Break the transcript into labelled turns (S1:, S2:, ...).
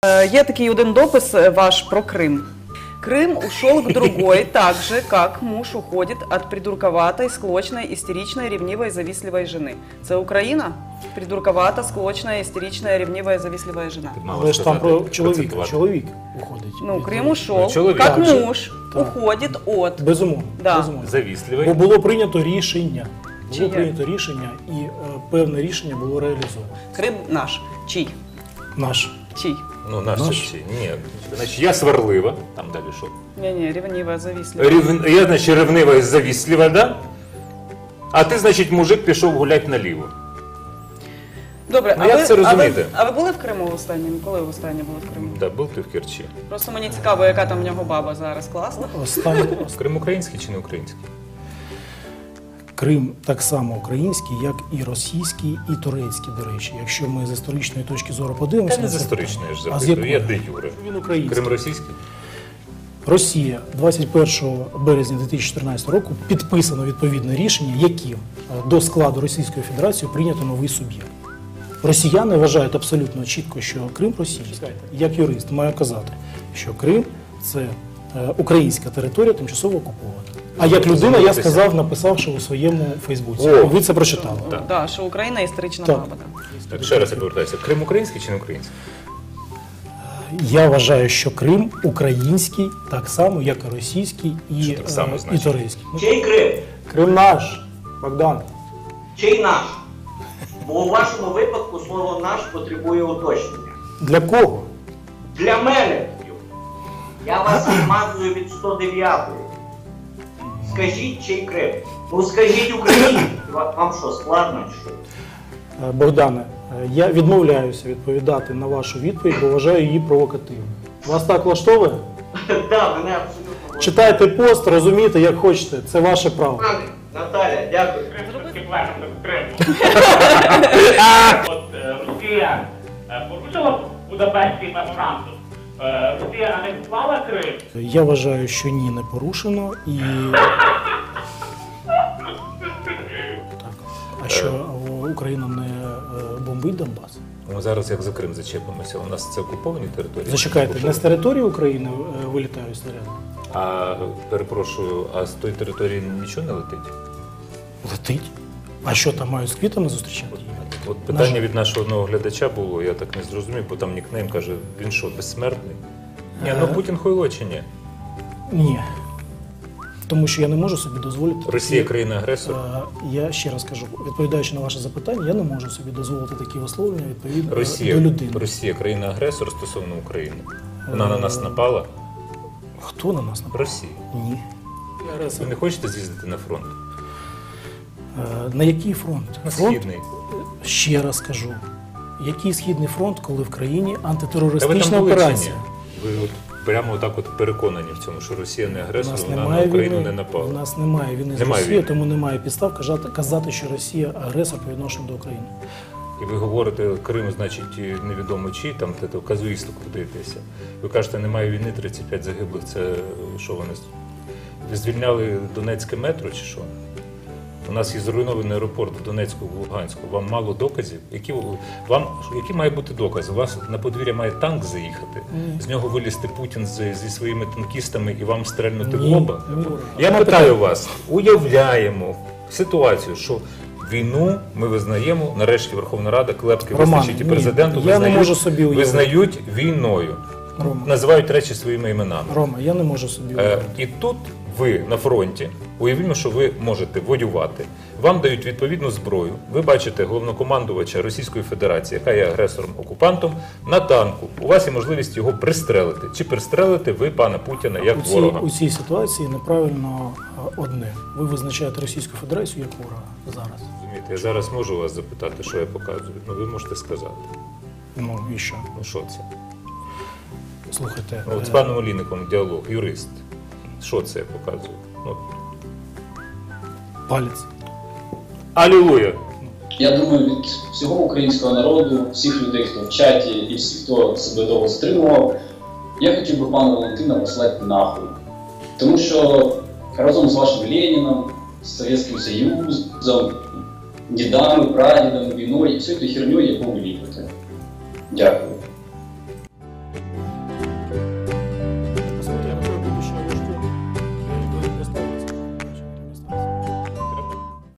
S1: Є такий один допис ваш про Крым. Крым ушел к другой, так же, как муж уходит от придурковатой, склочной, истеричной, ревнивой, завистливой жены. Це Україна? Придурковата, склочная, истеричная, ревнивая, завистливая жена.
S2: Але ж там про чоловіка. Чоловік уходить.
S1: Ну, Крым ушел,
S3: Чоловік.
S1: как
S2: Так,
S1: муж
S2: так.
S1: уходит от.
S2: Безумовно.
S1: Да.
S2: Безумовно.
S3: Завістливий.
S2: Бо було прийнято рішення. Було
S1: Чиє?
S2: прийнято рішення і певне рішення було реалізовано.
S1: Крым наш. Чий?
S2: Наш.
S1: Чий?
S3: Ну, наш
S2: Наш?
S3: чи ні. Значить, я сварлива, там далі що?
S1: Не-не, ревнивая, завистливая.
S3: Я, значить, ревнива і завістлива, да? А ти, значить, мужик пішов гуляти наліво.
S1: Добре,
S3: Ну, як це розуміти?
S1: А ви були в Криму останнім? Коли ви останнє були в Криму?
S3: Да, був ти в Керчі.
S1: Просто мені цікаво, яка там в нього баба зараз. Класна?
S2: Останнє.
S3: Крим український чи не український?
S2: Крим так само український, як і російський, і турецький, до речі. Якщо ми з історичної точки зору подивимося...
S3: Та не
S2: на
S3: з
S2: це
S3: історичної ж
S2: питання. А з
S3: запитую, я
S2: якої?
S3: де юре.
S2: Він український.
S3: Крим російський?
S2: Росія 21 березня 2014 року підписано відповідне рішення, яким до складу Російської Федерації прийнято новий суб'єкт. Росіяни вважають абсолютно чітко, що Крим російський. Як юрист маю казати, що Крим – це українська територія, тимчасово окупована. А як людина, я сказав, написавши у своєму Фейсбуці.
S3: О!
S2: Ви це прочитали.
S3: Так.
S1: Да, що Україна історична
S2: Так.
S1: баба.
S3: Так, ще раз я повертаюся. Крим український чи не український?
S2: Я вважаю, що Крим український, так само, як і російський, і,
S3: так само
S2: і
S3: значить?
S2: турецький.
S4: Чий Крим?
S2: Крим наш, Богдан.
S4: Чий наш? Бо у вашому випадку слово наш потребує уточнення.
S2: Для кого?
S4: Для мене. Я вас відмазую від 109-ї. Скажіть, чий Крим? Ну скажіть Україні. Вам що, складно чи що?
S2: Богдане, я відмовляюся відповідати на вашу відповідь, бо вважаю її провокативною. Вас так влаштовує?
S4: Так, мене абсолютно...
S2: Читайте пост, розумійте, як хочете. Це ваше право.
S4: Наталя, дякую.
S5: От Росія порушила Будапештський меморандум. Росія анексувала Крим.
S2: Я вважаю, що ні, не порушено. І... Так. А що, Україна не бомбить Донбас?
S3: Ми зараз як за Крим зачепимося. У нас це окуповані території?
S2: Зачекайте, не з території України вилітають снаряди?
S3: А, перепрошую, а з тої території нічого не летить?
S2: Летить. А що там мають з квітами зустрічати?
S3: От питання від нашого одного глядача було, я так не зрозумів, бо там нікнейм каже, він що, безсмертний? Ні, ну Путін хуйло чи ні?
S2: Ні. Тому що я не можу собі дозволити...
S3: Росія країна-агресор?
S2: Я ще раз кажу, відповідаючи на ваше запитання, я не можу собі дозволити такі висловлення відповідно до людини.
S3: Росія країна-агресор стосовно України. Вона на нас напала?
S2: Хто на нас напав?
S3: Росія.
S2: Ні.
S3: Ви не хочете з'їздити на фронт?
S2: На який фронт?
S3: На
S2: Фронт?
S3: Східний.
S2: Ще раз кажу. Який Східний фронт, коли в країні
S3: Та ви
S2: антитерористична
S3: там були чи ні?
S2: операція?
S3: Ви от прямо отак от переконані в цьому, що Росія не
S2: У
S3: агресор,
S2: нас
S3: вона на
S2: немає
S3: Україну
S2: війни.
S3: не напала.
S2: У нас немає війни з
S3: Немає
S2: Росією,
S3: війни.
S2: тому немає підстав казати, що Росія агресор по відношенню до України.
S3: І ви говорите, Крим, значить, невідомо чий, там в казуїстику вдаєтеся. Ви кажете, немає війни, 35 загиблих, це що вони? Ви звільняли Донецьке метро чи що? У нас є зруйнований аеропорт в Донецьку, в Луганську. Вам мало доказів? Які має бути докази? У вас на подвір'я має танк заїхати, з нього вилізти Путін зі своїми танкістами і вам стрельнути в лоба? Я питаю вас, уявляємо ситуацію, що війну ми визнаємо, нарешті Верховна Рада, Клепський визначить і президенту визнають війною.
S2: Рома.
S3: Називають речі своїми іменами.
S2: Рома, я не можу собі уявити.
S3: І тут ви на фронті, уявімо, що ви можете воювати, вам дають відповідну зброю, ви бачите головнокомандувача Російської Федерації, яка є агресором-окупантом, на танку. У вас є можливість його пристрелити. Чи пристрелите ви пана Путіна як ворога?
S2: У цій ситуації неправильно одне. Ви визначаєте Російську Федерацію як ворога зараз.
S3: Розумієте, я зараз можу вас запитати, що я показую. Ну, ви можете сказати.
S2: Ну і що?
S3: Ну, що це?
S2: Слухайте.
S3: От з паном Олійником діалог, юрист. Що це я показую? Ну.
S2: Палець.
S3: Алілуя!
S6: Я думаю, від всього українського народу, всіх людей, хто в чаті і всіх, хто себе довго стримував, я хотів би пана Валентина послати нахуй. Тому що разом з вашим Леніном, з Совєтським Союзом, дідами, прадідами, війною і всією херньою, яку ви ліпите. Дякую.